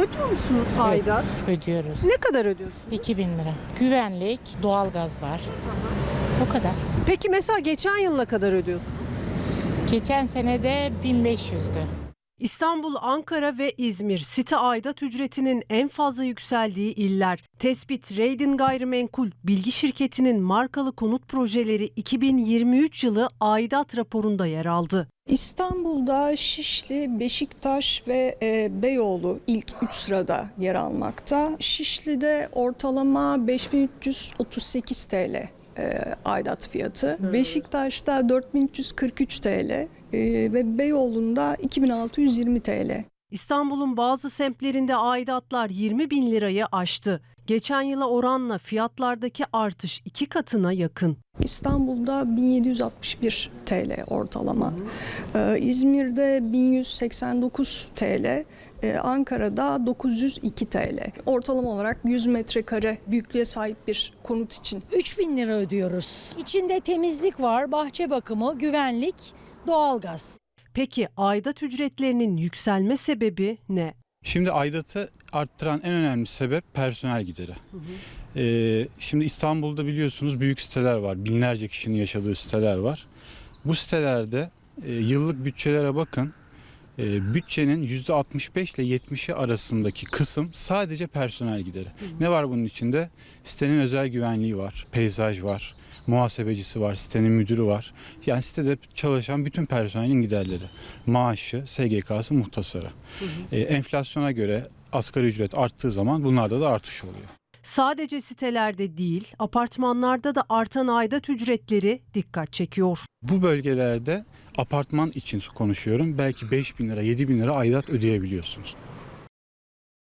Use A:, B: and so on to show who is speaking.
A: Ödüyor musunuz aidat?
B: Ödüyoruz.
A: Ne kadar ödüyorsunuz?
B: 2000 lira. Güvenlik, doğalgaz var. O kadar.
A: Peki mesela geçen yıl ne kadar ödüyordunuz?
B: Geçen sene de 1500'dü.
C: İstanbul, Ankara ve İzmir site aidat ücretinin en fazla yükseldiği iller. Tespit Raydin Gayrimenkul Bilgi Şirketi'nin markalı konut projeleri 2023 yılı aidat raporunda yer aldı.
D: İstanbul'da Şişli, Beşiktaş ve Beyoğlu ilk 3 sırada yer almakta. Şişli'de ortalama 5338 TL aidat fiyatı. Beşiktaş'ta 4343 TL ve Beyoğlu'nda 2620 TL.
C: İstanbul'un bazı semtlerinde aidatlar 20 bin lirayı aştı. Geçen yıla oranla fiyatlardaki artış 2 katına yakın.
D: İstanbul'da 1761 TL ortalama. İzmir'de 1189 TL. Ankara'da 902 TL. Ortalama olarak 100 metrekare büyüklüğe sahip bir konut için.
E: 3.000 lira ödüyoruz. İçinde temizlik var, bahçe bakımı, güvenlik, doğalgaz.
C: Peki aidat ücretlerinin yükselme sebebi ne?
F: Şimdi aidatı arttıran en önemli sebep personel gideri. Şimdi İstanbul'da biliyorsunuz büyük siteler var. Binlerce kişinin yaşadığı siteler var. Bu sitelerde yıllık bütçelere bakın. Bütçenin %65 ile %70'i arasındaki kısım sadece personel gideri. Ne var bunun içinde? Sitenin özel güvenliği var, peyzaj var, muhasebecisi var, sitenin müdürü var. Yani sitede çalışan bütün personelin giderleri. Maaşı, SGK'sı, muhtasarı. Enflasyona göre asgari ücret arttığı zaman bunlarda da artış oluyor.
C: Sadece sitelerde değil, apartmanlarda da artan aidat ücretleri dikkat çekiyor.
F: Bu bölgelerde apartman için konuşuyorum. Belki 5 bin lira, 7 bin lira aidat ödeyebiliyorsunuz.